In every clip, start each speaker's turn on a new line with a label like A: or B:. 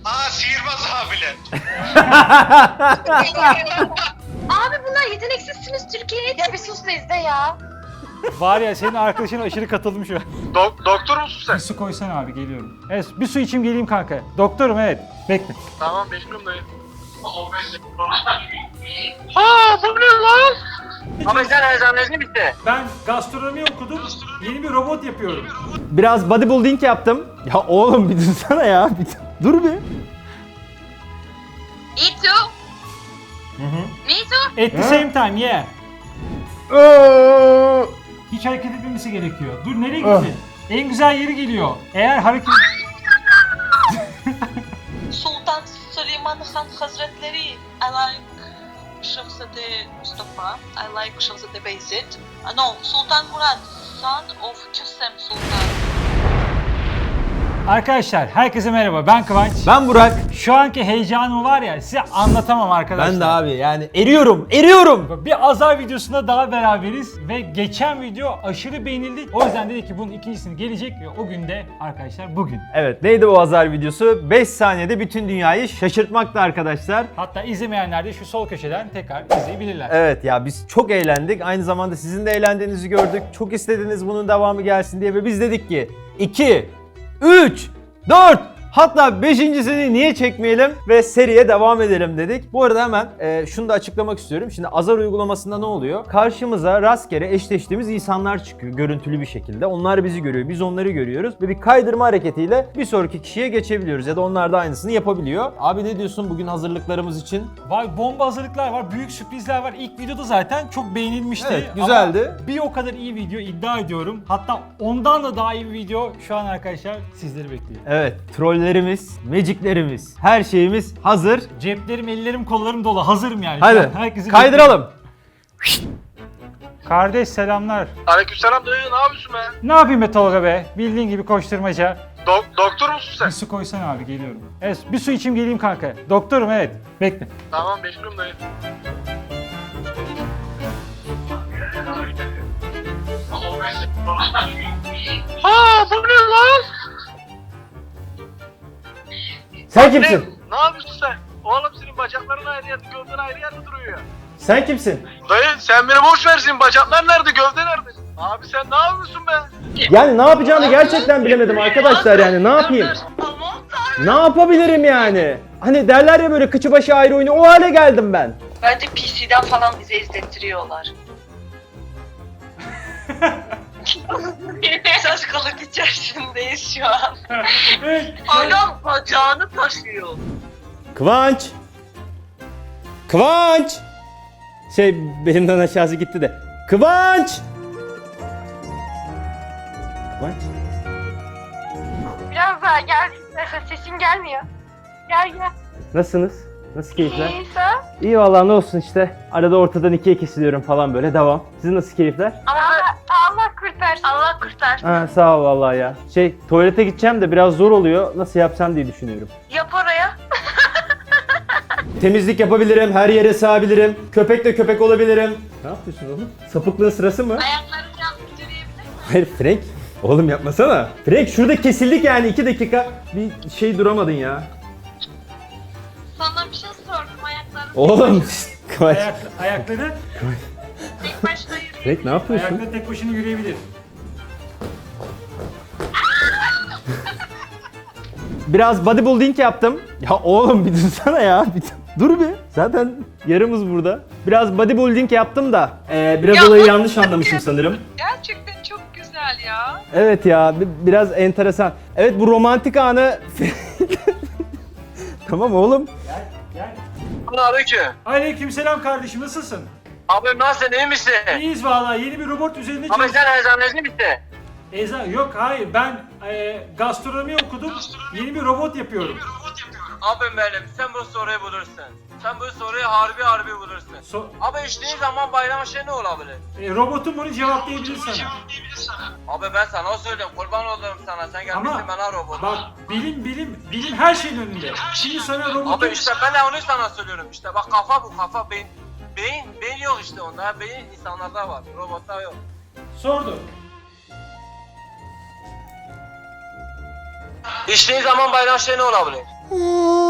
A: Sihirbaz abiler.
B: Abi bunlar yeteneksizsiniz Türkiye'ye. Ya bir sus da izle ya.
C: Var ya senin arkadaşın aşırı katıldım şu an.
A: Doktor musun sen?
C: Bir su koysana abi geliyorum. Evet bir su içeyim geleyim kanka. Doktorum evet. Bekle.
A: Tamam bekliyorum dayı. Bu ne lan? Abi sen eczaneci misin?
C: Ben gastronomi okudum. Yeni bir robot yapıyorum.
D: Biraz bodybuilding yaptım. Ya oğlum bir dursana ya. Dur bir.
B: Me too. Me too.
C: At the same time yeah. Hiç hareket etmemesi gerekiyor. Dur nereye gitti? En güzel yeri geliyor. Eğer hareket...
E: Sultan Süleyman Han Hazretleri. I like Şehzade Mustafa. I like Şehzade Beyzit. No, Sultan Murat. Son of Kösem Sultan.
C: Arkadaşlar herkese merhaba ben Kıvanç.
D: Ben Burak.
C: Şu anki heyecanım var ya size anlatamam arkadaşlar.
D: Ben de abi yani eriyorum.
C: Bir Azar videosunda daha beraberiz ve geçen video aşırı beğenildi. O yüzden dedik ki bunun ikincisini gelecek ve o gün de arkadaşlar bugün.
D: Evet neydi o Azar videosu? 5 saniyede bütün dünyayı şaşırtmaktı arkadaşlar.
C: Hatta izlemeyenler de şu sol köşeden tekrar izleyebilirler.
D: Evet ya biz çok eğlendik. Aynı zamanda sizin de eğlendiğinizi gördük. Çok istediniz bunun devamı gelsin diye ve biz dedik ki 2, 3, 4 hatta 5.sini niye çekmeyelim ve seriye devam edelim dedik. Bu arada hemen şunu da açıklamak istiyorum. Şimdi Azar uygulamasında ne oluyor? Karşımıza rastgele eşleştiğimiz insanlar çıkıyor görüntülü bir şekilde. Onlar bizi görüyor, biz onları görüyoruz ve bir kaydırma hareketiyle bir sonraki kişiye geçebiliyoruz ya da onlar da aynısını yapabiliyor. Abi ne diyorsun bugün hazırlıklarımız için?
C: Var bomba hazırlıklar var, büyük sürprizler var. İlk videoda zaten çok beğenilmişti.
D: Evet, güzeldi.
C: Ama bir o kadar iyi video iddia ediyorum. Hatta ondan da daha iyi bir video şu an arkadaşlar sizleri bekliyor.
D: Evet, trollerimiz, magiclerimiz, her şeyimiz hazır.
C: Ceplerim, ellerim, kollarım dolu. Hazırım yani.
D: Hadi
C: Herkesi
D: kaydıralım.
C: Kardeş selamlar.
A: Aleykümselam dayı ne yapıyorsun be?
C: Ne yapayım be Tolga be? Bildiğin gibi koşturmaca.
A: Doktor musun sen?
C: Bir su koysana abi geliyorum. Evet bir su içeyim geleyim kanka. Doktorum evet. Bekle.
A: Tamam bekliyorum dayı. Bu ne lan?
D: Sen kimsin?
A: Ne yapıyorsun sen? Oğlum senin bacakların ayrı yerde, gövden ayrı yerde duruyor ya.
D: Sen kimsin?
A: Dayı sen beni boş versin. Bacaklar nerede, gövde nerede? Abi sen ne yapıyorsun be?
D: Yani ne yapacağını gerçekten bilemedim arkadaşlar yani ne yapayım?
E: Aman tanrım.
D: Ne yapabilirim yani? Hani derler ya böyle kıçı başı ayrı oyunu o hale geldim ben.
E: Bence PC'den falan bize izlettiriyorlar. Şaşkınlık içerisindeyiz şu an. Adam bacağını taşıyor.
D: Kıvanç! Kıvanç! Belimden aşağısı gitti de. Kıvanç! Kıvanç?
B: Biraz daha gel. Sesin gelmiyor. Gel.
D: Nasılsınız? Nasıl keyifler?
B: İyiyse.
D: İyi vallahi ne olsun işte. Arada ortadan ikiye kesiliyorum falan böyle devam. Sizin nasıl keyifler?
B: Allah kurtarsın. Allah kurtarsın.
D: Ha, sağ ol vallahi ya. Tuvalete gideceğim de biraz zor oluyor. Nasıl yapsam diye düşünüyorum.
E: Yap oraya.
D: Temizlik yapabilirim, her yere sığabilirim. Köpekle köpek olabilirim. Ne yapıyorsun oğlum? Sapıklığın sırası mı?
E: Ayaklarını yanlış yürüyebilir misin?
D: Hayır Frank. Oğlum yapmasana. Frank şurada kesildik yani 2 dakika. Bir duramadın ya.
E: Sana bir şey sordum ayaklarını.
D: Oğlum. Kıvanç.
C: Ayakları
E: Tek başına yürüyebilir.
D: Frank ne yapıyorsun?
C: ayakları tek başına yürüyebilir.
D: Biraz bodybuilding yaptım. Ya oğlum bir dursana ya. Dur bir. Zaten yarımız burada. Biraz bodybuilding yaptım da. Biraz olayı yanlış anlamışım sanırım.
E: Gerçekten çok güzel ya.
D: Evet ya biraz enteresan. Evet bu romantik anı... Tamam oğlum.
C: Gel.
A: Aleyküm.
C: Aleykümselam kardeşim nasılsın?
A: Abi nasılsın, iyi misin?
C: İyiyiz vallahi yeni bir robot üzerinde
A: Abi
C: çalışıyoruz.
A: sen eczaneci misin?
C: Yok hayır ben gastronomi okudum. Yeni bir robot yapıyorum.
F: Abim benim, sen bu soruyu bulursun. Sen bu soruyu harbi bulursun. Abi içtiğin zaman bayram şey ne olabilir?
C: Robotum bunu cevaplayabilir sana.
F: Abi ben sana söyleyeyim, kurban olurum sana. Sen gelmişsin
C: Ama
F: bana robot.
C: bak bilim her şeyin önünde. Şimdi sana
F: Abi
C: robotum...
F: işte ben de onu sana söylüyorum işte. Bak kafa bu kafa, beyin yok işte onda. Beyin insanlarda var, robotta yok.
C: Sordu.
F: İçtiğin zaman bayram şey ne olabilir?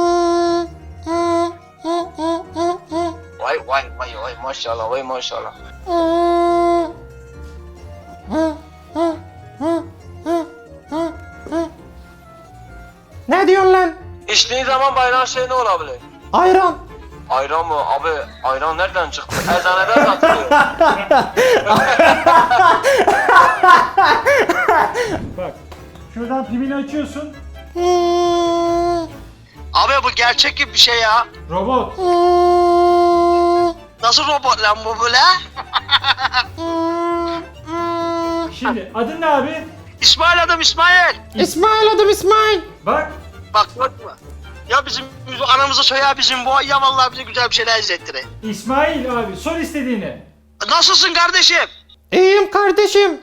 F: vay maşallah vay maşallah.
D: Ne diyorsun lan?
F: İçtiğin zaman bayılan şey ne olabilir?
D: Ayran.
F: Ayran mı? Abi ayran nereden çıktı? Eczaneden satılıyor.
C: Bak. Şuradan pimini açıyorsun.
A: Abi bu gerçek gibi bir şey ya.
C: Robot.
A: Nasıl robot lan bu böyle?
C: Şimdi adın ne abi?
A: İsmail adım İsmail.
D: İsmail adım İsmail.
C: Bak.
A: Bak bakma. Ya bizim anamızı soya bizim bu ya vallahi bize güzel bir şeyler izlettirir.
C: İsmail abi sor istediğini.
A: Nasılsın kardeşim?
D: İyiyim kardeşim.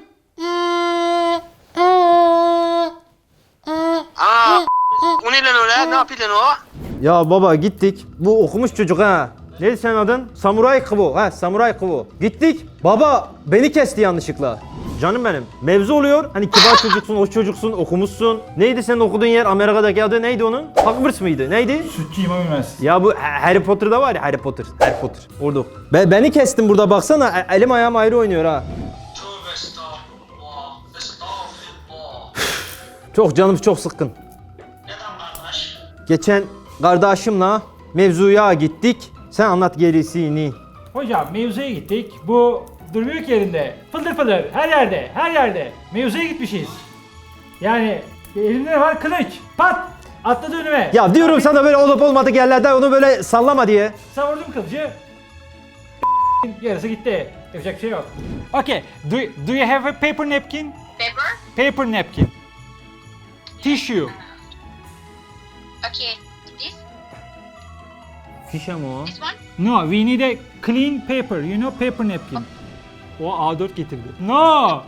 A: Aa o ne lan öyle? Ne yapıyor lan o?
D: Ya baba gittik. Bu okumuş çocuk ha. Neydi senin adın? Samuray Kıvo. Ha Samuray Kıvo. Gittik. Baba beni kesti yanlışlıkla. Canım benim. Mevzu oluyor. Hani kibar çocuksun, hoş çocuksun, okumuşsun. Neydi senin okuduğun yer? Amerika'daki adı neydi onun? Hogwarts mıydı? Neydi?
C: Sütçü İmam Üniversitesi.
D: Ya bu Harry Potter'da var ya Harry Potter. Harry Potter. Orada. Beni kestin burada baksana. Elim ayağım ayrı oynuyor ha.
F: Tövbe estağfurullah. Estağfurullah.
D: Çok canım çok sıkkın.
F: Neden kardeş?
D: Geçen kardeşimle mevzuya gittik. Sen anlat gerisini.
C: Hocam mevzuya gittik. Bu durmuyor ki yerinde. Fıldır fıldır her yerde, her yerde. Mevzuya gitmişiz. Yani elimde ne var? Kılıç. Pat! Atladı önüme.
D: Ya diyorum sana böyle olup olmadık yerlerde onu böyle sallama diye.
C: Savurdum kılıcı. Yarısı gitti. Yapacak bir şey yok. Okay. Do you have a paper napkin?
B: Paper?
C: Paper napkin. Tissue.
B: Okay. This?
D: Fişe mi o?
B: This one?
C: No, we need a clean paper. You know paper napkin. O A4 getirdi. No.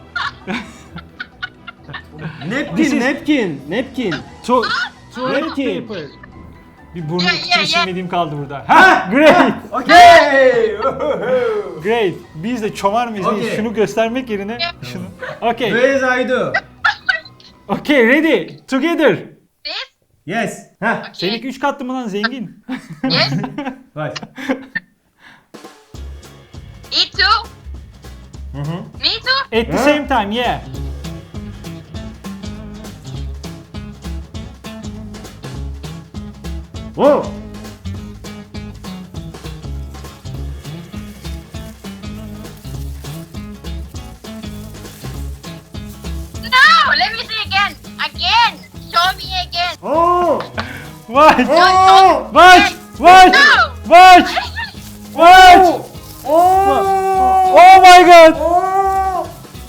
C: This is-
D: napkin.
C: Toilet
D: Napkin.
C: paper. Bir burnu
B: Yeah.
C: silmediğim kaldı burada. Ha, great.
D: Okay.
C: Great. Biz de çomar mıyız?
D: Okay.
C: Şunu göstermek yerine şunu. Okay.
D: Where's Aydu?
C: Okay, ready. Together.
B: This?
D: Yes. Heh.
C: Seninki 3 katlı mı lan zengin?
B: Yes?
D: Bak.
B: Me too? Me too?
C: At the same time, yeah.
D: Oh.
B: No! Let me see again! Again! Show me again!
D: Oh.
C: Watch.
B: No!
C: Watch. Watch.
B: No!
C: Watch. Watch.
D: Oh.
C: Oh my god.
D: Oh.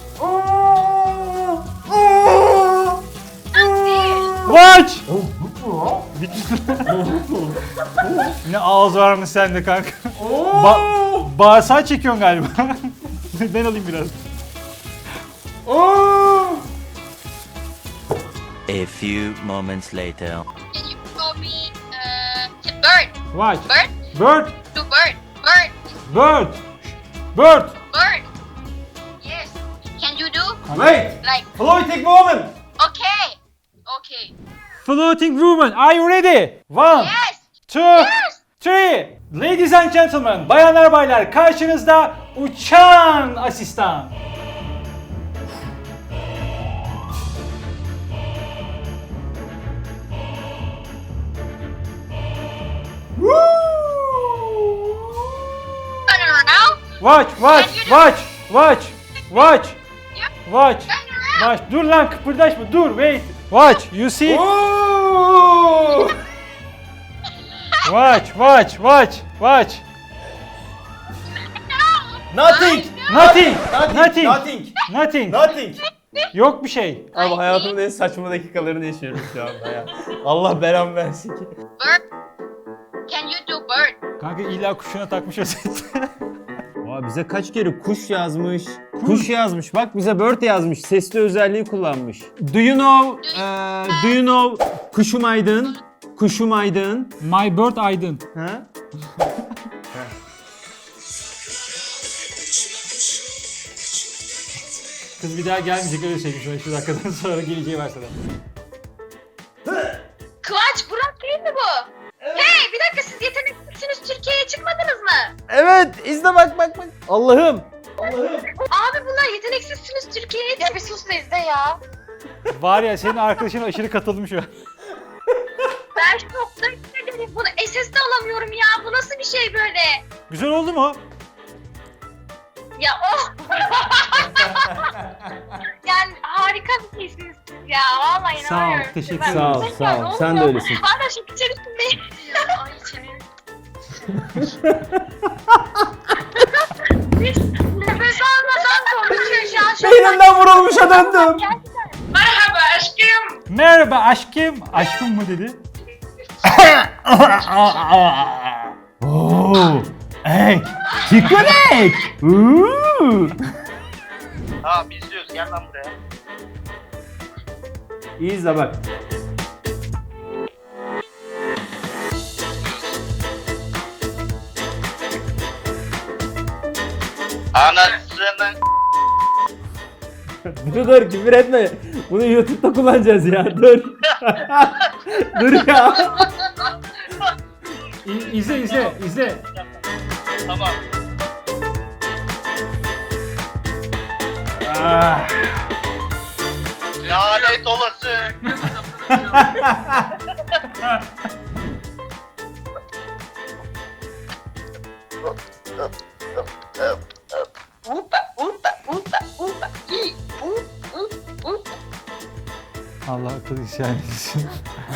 D: Oh. Oh.
C: Watch. Ne ağız varmış sende kanka. Bağırsağı çekiyorsun galiba. Ben alayım biraz.
D: Oh.
G: A few moments later.
B: Can you show me bird?
C: Watch.
B: Bird?
C: Bird.
B: Do bird. Bird.
C: Bird. Bird.
B: Bird. Yes. Can you do?
D: Wait.
B: Like,
D: Floating woman.
B: okay. Okay.
C: Floating woman. Are you ready? 1,
B: Yes.
C: 2, 3. Ladies and gentlemen, bayanlar baylar karşınızda uçan asistan.
B: Turn around.
C: Watch, watch, watch, watch, watch, watch,
B: Turn around.
C: watch. Dur lan kıpırdaşma, dur, wait. Watch, you see?
D: Oh.
C: Watch, watch, watch, watch.
D: Nothing.
C: Nothing,
D: Nothing.
C: nothing,
D: Nothing.
C: nothing.
D: Nothing.
C: Yok bir şey.
D: Abi hayatımın en saçma dakikalarını yaşıyorum şu anda ya. Allah belamı versin ki.
B: Bird. Can you do bird?
C: Kanka illa kuşuna takmış özet.
D: Aa, bize kaç kere kuş yazmış. Kuş yazmış. Bak bize bird yazmış. Sesli özelliği kullanmış. Do you know Kuşum Aydın? Kuşum Aydın.
C: My bird Aydın.
D: Ha?
C: Kız bir daha gelmeyecek öyle söyleyeyim sana şu dakikadan sonra geleceği varsa da.
B: Kıvanç Burak değil mi bu? Hey bir dakika siz yeteneksizsiniz Türkiye'ye çıkmadınız mı?
D: Evet. Evet izle bak. Allah'ım.
B: Abi bunlar yeteneksizsiniz Türkiye. Ya bir sus da izle ya.
C: Var ya senin arkadaşın aşırı katıldım şu an.
B: Ben şokta hissederim. Bunu SS de alamıyorum ya. Bu nasıl bir şey böyle?
C: Güzel oldu mu?
B: Ya oh. Yani harika bir şeysiniz siz ya. Vallahi
C: Sağ ol,
B: inanamıyorum.
C: teşekkür
B: Ben-
C: ederim.
D: Sağ ol. Sen de öylesin.
B: Hala şok içerisindeyim. Ay içerim. Hiç nefes almadan konuşuyor şu an.
D: Beynimden vurulmuşa döndüm.
B: Merhaba aşkım.
C: Merhaba aşkım. Aşkım mı dedi?
D: Oo. Ek. Çikolat.
A: Tamam izliyoruz gel lan buraya.
D: İyi izle bak.
A: Anasının
D: Dur küfür etme. Bunu YouTube'da kullanacağız ya. Dur. Dur ya.
C: İzle.
A: tamam.
C: Ah.
A: Lanet olası.
C: Allah akıl isyan etsin.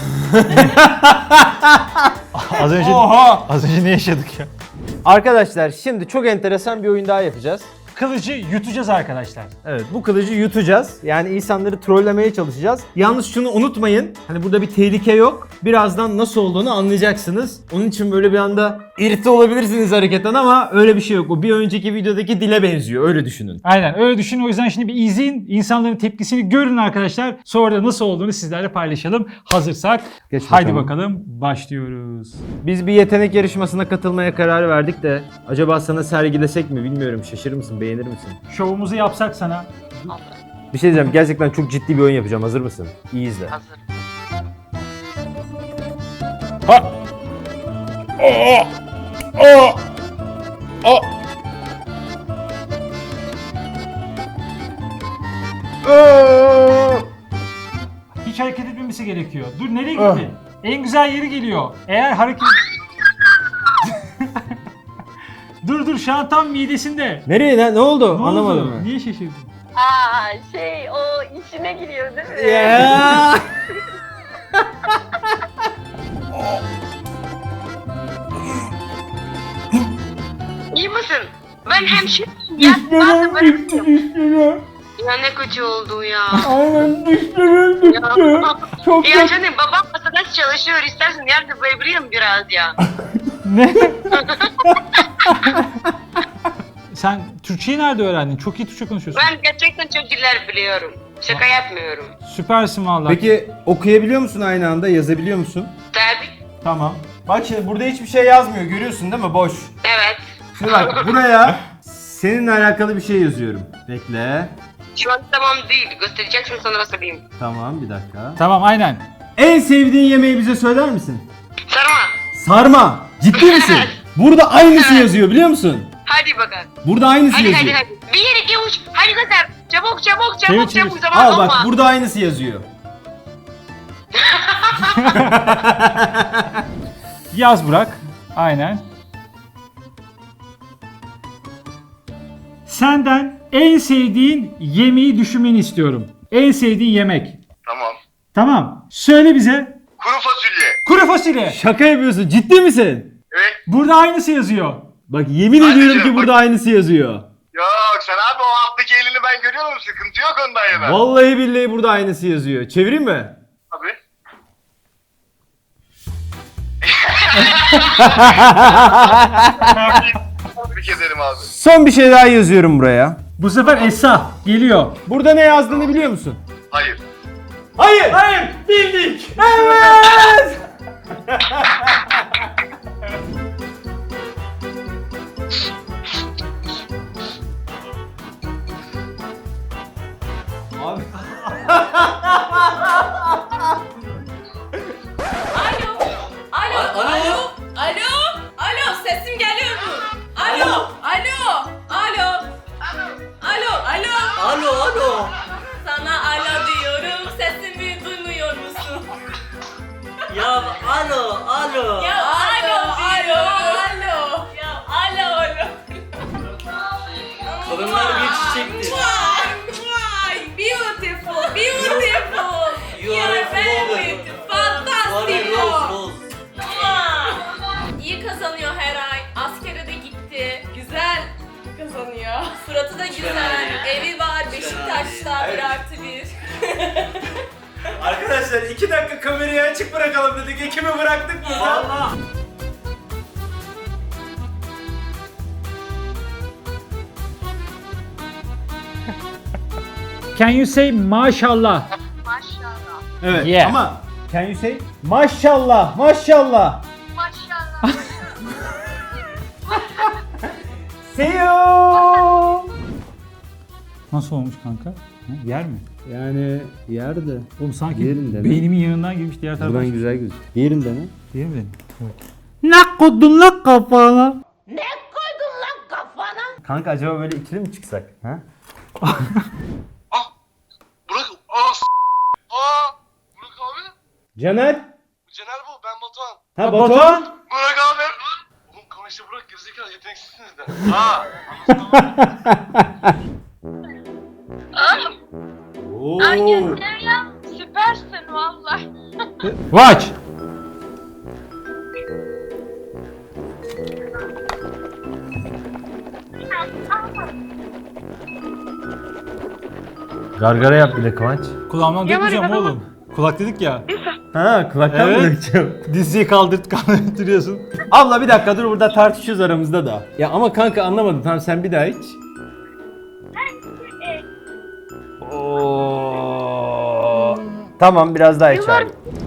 C: Az önce ne yaşadık ya?
D: Arkadaşlar şimdi çok enteresan bir oyun daha yapacağız.
C: Kılıcı yutacağız arkadaşlar.
D: Evet bu kılıcı yutacağız. Yani insanları trollemeye çalışacağız. Yalnız şunu unutmayın. Hani burada bir tehlike yok. Birazdan nasıl olduğunu anlayacaksınız. Onun için böyle bir anda irite olabilirsiniz hareketten ama öyle bir şey yok. O bir önceki videodaki dile benziyor. Öyle düşünün.
C: Aynen öyle düşünün. O yüzden şimdi bir izleyin. İnsanların tepkisini görün arkadaşlar. Sonra da nasıl olduğunu sizlerle paylaşalım. Hazırsak
D: Geç
C: haydi
D: bakalım.
C: bakalım başlıyoruz.
D: Biz bir yetenek yarışmasına katılmaya karar verdik de acaba sana sergilesek mi bilmiyorum. Şaşırır mısın? Beğenir misin?
C: Şovumuzu yapsak sana.
D: Bir şey diyeceğim. Gerçekten çok ciddi bir oyun yapacağım. Hazır mısın? İyi izle.
A: Hazır.
C: Ha! Hiç hareket etmemesi gerekiyor. Dur nereye gitti? En güzel yeri geliyor. Eğer hareket... dur şu an tam midesinde.
D: Nereye? Ne oldu?
C: Ne
D: Anlamadım
C: oldu?
D: ben.
C: Niye şaşırdın?
B: O içine giriyor değil mi?
D: Ya.
H: İyi misin? Ben hemşireyim ya. Nasıl bırakayım? Ya ne kötü oldu ya.
D: Aynen dişlerim gitti. Çok
H: Ya canım babam masada çalışıyor. İstersen yardım edebilirim biraz ya.
C: Ne? Sen Türkçeyi nerede öğrendin? Çok iyi Türkçe konuşuyorsun.
H: Ben gerçekten çok diller biliyorum. Şaka yapmıyorum.
C: Süpersin vallahi.
D: Peki okuyabiliyor musun aynı anda? Yazabiliyor musun?
H: Tabii.
D: Tamam. Bak şimdi burada hiçbir şey yazmıyor. Görüyorsun değil mi? Boş.
H: Evet.
D: Şimdi bak buraya seninle alakalı bir şey yazıyorum. Bekle.
H: Şu an tamam değil. Göstereceksin sonra söyleyeyim.
D: Tamam bir dakika.
C: Tamam aynen.
D: En sevdiğin yemeği bize söyler misin?
H: Sarma.
D: Sarma. Ciddi misin? Burada aynısı yazıyor biliyor musun?
H: Hadi bakalım.
D: Burada aynısı
H: Hadi
D: yazıyor.
H: hadi hadi. 1, 2, 3. Hadi göster. Çabuk çabuk
C: Çevir,
H: çabuk
C: çevir.
H: çabuk. Zaman
D: Al
H: olma.
D: bak burada aynısı yazıyor.
C: Yaz Burak. Aynen. Senden en sevdiğin yemeği düşünmeni istiyorum. En sevdiğin yemek.
A: Tamam.
C: Tamam. Söyle bize.
A: Kuru fasulye.
C: Kuru fasulye.
D: Şaka yapıyorsun. Ciddi misin?
A: Evet.
C: Burada aynısı yazıyor.
D: Bak yemin
A: Hadi
D: ediyorum
A: canım,
D: ki burada aynısı yazıyor.
A: Yok sen abi o alttaki elini ben görüyorum. Sıkıntı yok ondan yana.
D: Vallahi billahi burada aynısı yazıyor. Çevireyim mi?
A: Abi. Tebrik ederim abi.
D: Son bir şey daha yazıyorum buraya.
C: Bu sefer Esra geliyor.
D: Burada ne yazdığını biliyor musun?
A: Hayır.
D: Hayır.
C: Hayır, bildik.
D: Evet. Abi.
I: Alo, sesim geliyor mu? Alo. daha 1+1.
D: Arkadaşlar 2 dakika kamerayı açık bırakalım dedik. Ekibi bıraktık burada.
C: Allah. Can you say maşallah?
B: Maşallah.
D: Evet
C: Yeah.
D: ama can you say maşallah maşallah.
B: Maşallah.
D: See you.
C: Nasıl olmuş kanka? Ha, yer mi?
D: Yani yerde.
C: Oğlum sanki
D: Yerinde mi?
C: beynimin yanından girmiş diğer tarafa.
D: Buradan güzel gözüküyor. Yerinde mi?
C: Değil mi benim? Evet. Ne koydun lan kafana?
D: Kanka acaba böyle ikili mi çıksak? Ha?
A: Burak Burak abi.
D: Caner.
A: Caner bu, ben Batuhan.
D: Ha Batuhan.
A: Burak abi. Oğlum konuştu Burak, gerizekalı, yeteneksizsiniz de.
B: Ay ya, süpersin valla.
C: Watch.
D: Gargara yap bir de Kıvanç.
C: Kulağımdan dökmeyeceğim oğlum. Kulak dedik ya.
D: Ha kulaktan mı
C: Evet.
D: dökeceğim?
C: Diziyi kaldırıyorsun.
D: Abla bir dakika dur burada tartışıyoruz aramızda da. Ya ama kanka anlamadım. Tamam sen bir daha iç. Oo. Tamam biraz daha iç abi.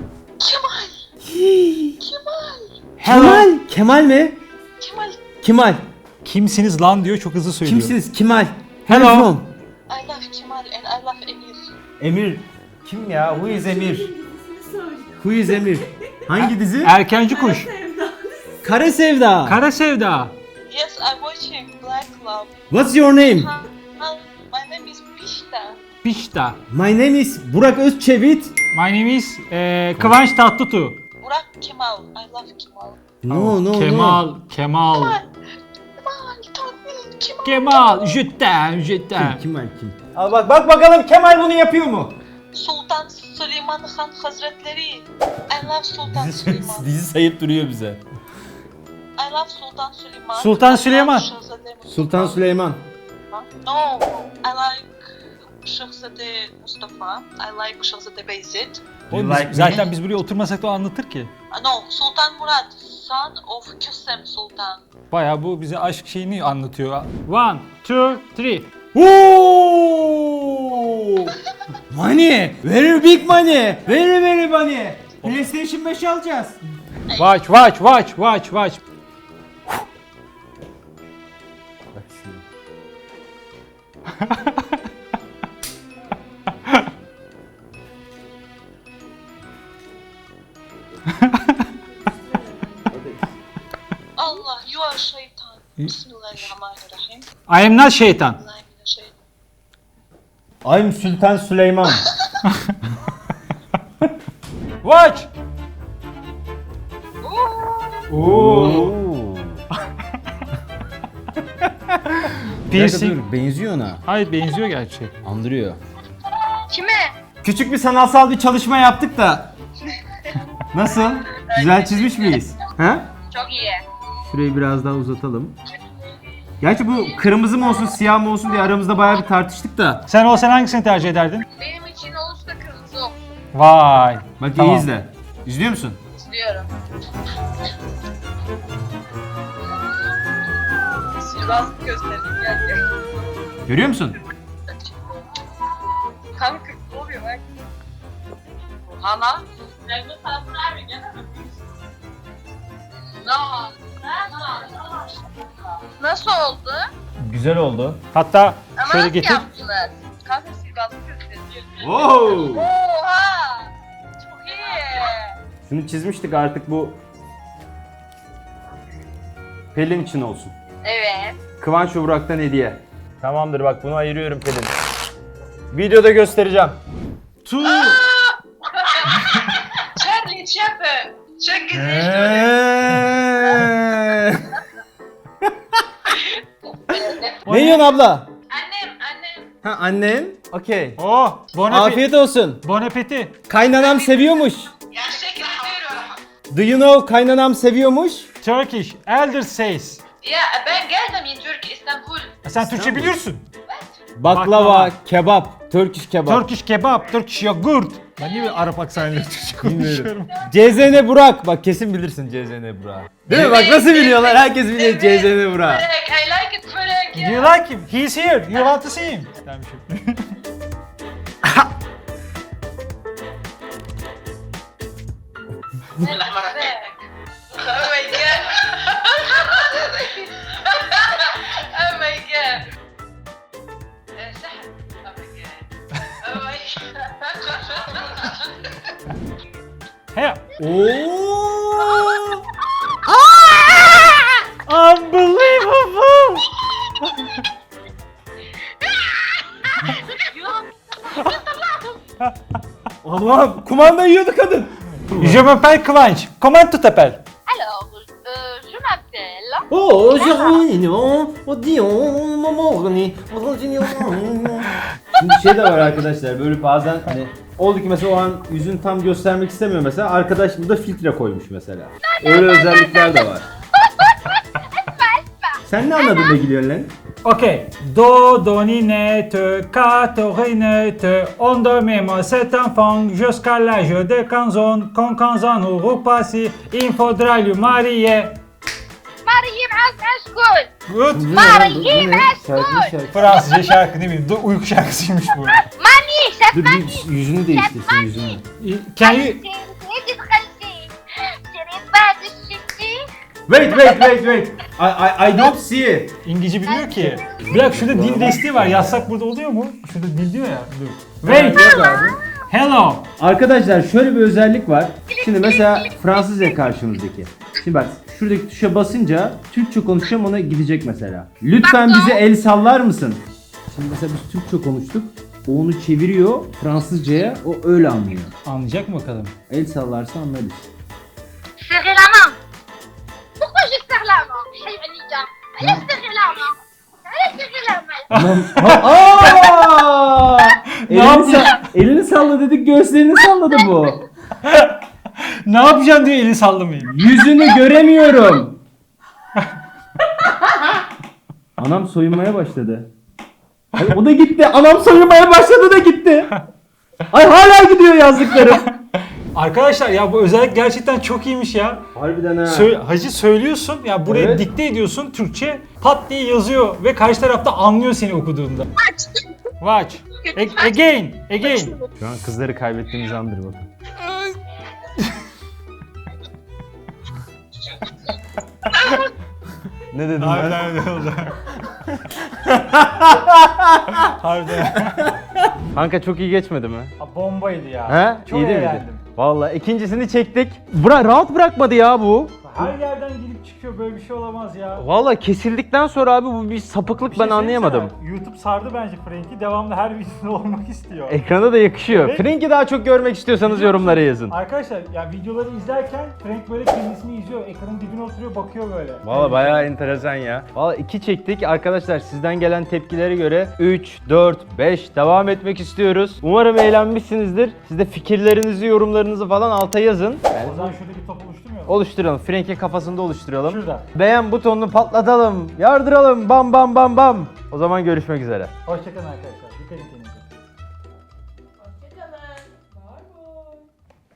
D: Kemal. Kemal mi? Kemal.
C: Kimsiniz lan diyor, çok hızlı söylüyor.
D: Kimsiniz? Kemal.
C: Hello.
D: Where from?
E: I love Kemal and I love Emir.
D: Emir. Kim ya? Who is Emir? Who is Emir? Hangi dizi?
C: Erkenci kuş.
D: Kara Sevda.
C: Kara Sevda.
E: Yes, I'm watching Black Love.
D: What's your name?
E: My name is Pishta.
C: Pişta.
D: My name is Burak Özçevit.
C: My name is Kıvanç Tatlıtuğ.
E: Burak Kemal. I love Kemal.
D: No.
C: Kemal. Kemal.
E: Kemal, Kemal.
C: Kemal. Jütten. Jütten.
D: Kemal kim? Al bak bakalım Kemal bunu yapıyor mu?
E: Sultan Süleyman Han Hazretleri. I love Sultan Süleyman.
D: Dizi sayıp duruyor bize.
E: I love Sultan Süleyman.
C: Sultan
E: I love
C: Süleyman.
E: Şehzade Mustafa.
D: Sultan Süleyman.
E: No, I like Şehzade Mustafa. I like Şehzade Beyzit.
C: Oğlum
D: You like me?
C: zaten biz buraya oturmasak da o anlatır ki.
E: No, Sultan Murat, son of Kösem Sultan.
C: Bayağı bu bize aşk şeyini anlatıyor. 1, 2, 3.
D: Oooo! Money! Very big money! Very money! PlayStation 5 alacağız.
C: Watch.
D: Bak şimdi.
E: Allah, you are şeytan. Bismillahirrahmanirrahim.
C: I am not şeytan.
E: Bismillahirrahmanirrahim.
D: I'm Sultan Süleyman.
C: Watch.
D: Oo.
C: Piercing.
D: Benziyor ona.
C: Hayır, benziyor gerçi.
D: Andırıyor.
B: Kime?
D: Küçük bir sanatsal bir çalışma yaptık da. Nasıl? Güzel çizmiş miyiz? Ha?
B: Çok iyi.
D: Şurayı biraz daha uzatalım. Gerçi bu kırmızı mı olsun siyah mı olsun diye aramızda bayağı bir tartıştık da.
C: Sen olsan hangisini tercih ederdin?
B: Benim için olursa kırmızı olsun.
C: Vay.
D: Bak
C: Tamam.
D: iyi izle. İzliyor musun?
B: İstiyorum. Sihirbaz göstereyim gel.
D: Görüyor musun?
B: Kanka ne oluyor bak. Hala. Nasıl oldu?
D: Güzel oldu.
C: Hatta
B: Ama
C: şöyle
B: nasıl
C: getir.
B: yaptılar? Kanka sihirbazlık gösteriyor.
D: Wow!
B: Oha! Çok iyi.
D: Şunu çizmiştik artık bu Pelin için olsun.
B: Evet.
D: Kıvanç ve Burak'tan hediye. Tamamdır bak bunu ayırıyorum Pelin. Videoda göstereceğim.
B: Charlie Chaplin. Çok güzel.
D: Ne yiyorsun abla?
B: Annem.
D: Ha annen? Okey.
C: Oh, bon appétit.
D: Afiyet olsun.
C: Bon appétit.
D: Kaynanam seviyormuş.
B: Gerçekten diyorum.
D: Do you know kaynanam seviyormuş?
C: Turkish. Elder says.
B: Ya ben geldim in Türkiye, İstanbul.
C: Sen Türkçe biliyorsun.
D: Baklava,
C: Baklava.
D: kebap. Turkish kebap.
C: Turkish kebap, Turkish yogurt. Ben niye böyle Arap aksanıyla Türkçe konuşuyorum?
D: CZN Burak. Bak kesin bilirsin CZN Burak. Değil mi? Bak nasıl biliyorlar? Herkes biliyor CZN Burak.
E: I like it Frank.
C: Do you like him? He's here. You want to see him? Dermişim.
E: Oh my god. Oh my god. سحب. Oh my god. Oh my god.
C: He.
D: Oo!
C: Unbelievable.
D: Allah'ım kumanda yiyordu kadın.
C: Je m'appelle Kıvanç. Comment tu t'appelles?
B: Alors, je m'appelle...
D: Oh, Jeronimo, o Dion, Momorni, Şimdi bir şey de var arkadaşlar, böyle bazen hani oldu ki mesela o an yüzünü tam göstermek istemiyor mesela, arkadaş burada filtre koymuş mesela. Öyle özellikler de var. Sen ne anladın da gülüyorsun lan?
C: Ok. Do, do, ni, ne, te, ka, to, ri, ne, te. On dormimos cet enfant jusqu'à l'âge de 15 ans. Quand 15 ans auront passé, il faudra lui marier.
B: Mariye معاك اشكون
C: Good.
B: Mariye معاك
C: Fransızca şarkı ne bileyim, uyku şarkısıymış bu.
B: ماني شاف
D: Dur
B: ماني
D: bir yüzünü değiştirsin yüzünü.
C: Can you...
B: انت دخلتي شريت بعد الشتي
D: Wait. I don't see it.
C: İngilizce bilmiyor ki. Bir dakika şurada dil desteği var. Yazsak burada oluyor mu? Şurada dil diyor ya. Dur. Wait.
D: Yok abi.
C: Hello.
D: Arkadaşlar şöyle bir özellik var. Şimdi mesela Fransızca karşımızdaki. Şimdi bak şuradaki tuşa basınca Türkçe konuşacağım ona gidecek mesela. Lütfen bize el sallar mısın? Şimdi mesela biz Türkçe konuştuk. O onu çeviriyor Fransızcaya, o öyle anlıyor.
C: Anlayacak mı bakalım?
D: El sallarsa anlarız.
B: serrez la main pourquoi je serre la main حي عليا علاش serrer la main علاش serrer la main
D: Aa!
C: Ne yapıyor?
D: Elini salla dedik, göğüslerini salladı bu.
C: Ne yapacaksın diyor, eli sallamayın.
D: Yüzünü göremiyorum. Anam soyunmaya başladı. Ay, o da gitti. Anam soyunmaya başladı da gitti. Ay hala gidiyor yazdıklarım.
C: Arkadaşlar ya bu özellik gerçekten çok iyiymiş ya.
D: Harbiden ha.
C: Hacı söylüyorsun ya, buraya
D: Evet.
C: dikte ediyorsun Türkçe, pat diye yazıyor ve karşı tarafta anlıyor seni okuduğunda. Watch. Again.
D: Şu an kızları kaybettiğimiz andır bakın. Ne dedim ben?
C: Harbiden öyle oldu. Harbiden.
D: Kanka çok iyi geçmedi mi?
C: Bombaydı ya.
D: He?
C: Çok
D: İyi değil
C: eğlendim.
D: miydi? Vallahi ikincisini çektik. Rahat bırakmadı ya bu.
C: Her yerden girip çıkıyor, böyle bir şey olamaz ya.
D: Vallahi kesildikten sonra abi bu bir sapıklık,
C: Bir şey
D: ben anlayamadım.
C: söyleyeyim sana, YouTube sardı bence Frank'i. Devamlı her videoda olmak istiyor.
D: Ekrana da yakışıyor.
C: Evet.
D: Frank'i daha çok görmek istiyorsanız yorumlara yazın.
C: Arkadaşlar ya videoları izlerken Frank böyle kendisini izliyor. Ekranın dibine oturuyor, bakıyor böyle.
D: Valla bayağı enteresan ya. Valla 2 çektik. Arkadaşlar sizden gelen tepkilere göre 3, 4, 5 devam etmek istiyoruz. Umarım eğlenmişsinizdir. Siz de fikirlerinizi, yorumlarınızı falan alta yazın.
C: O zaman şurada bir top oluşturmuyor mu?
D: Oluşturalım. Frank'in kafasında oluşturalım.
C: Şurada.
D: Beğen butonunu patlatalım. Yardıralım. Bam bam bam bam. O zaman görüşmek üzere.
C: Hoşçakalın arkadaşlar. Dikkat edin.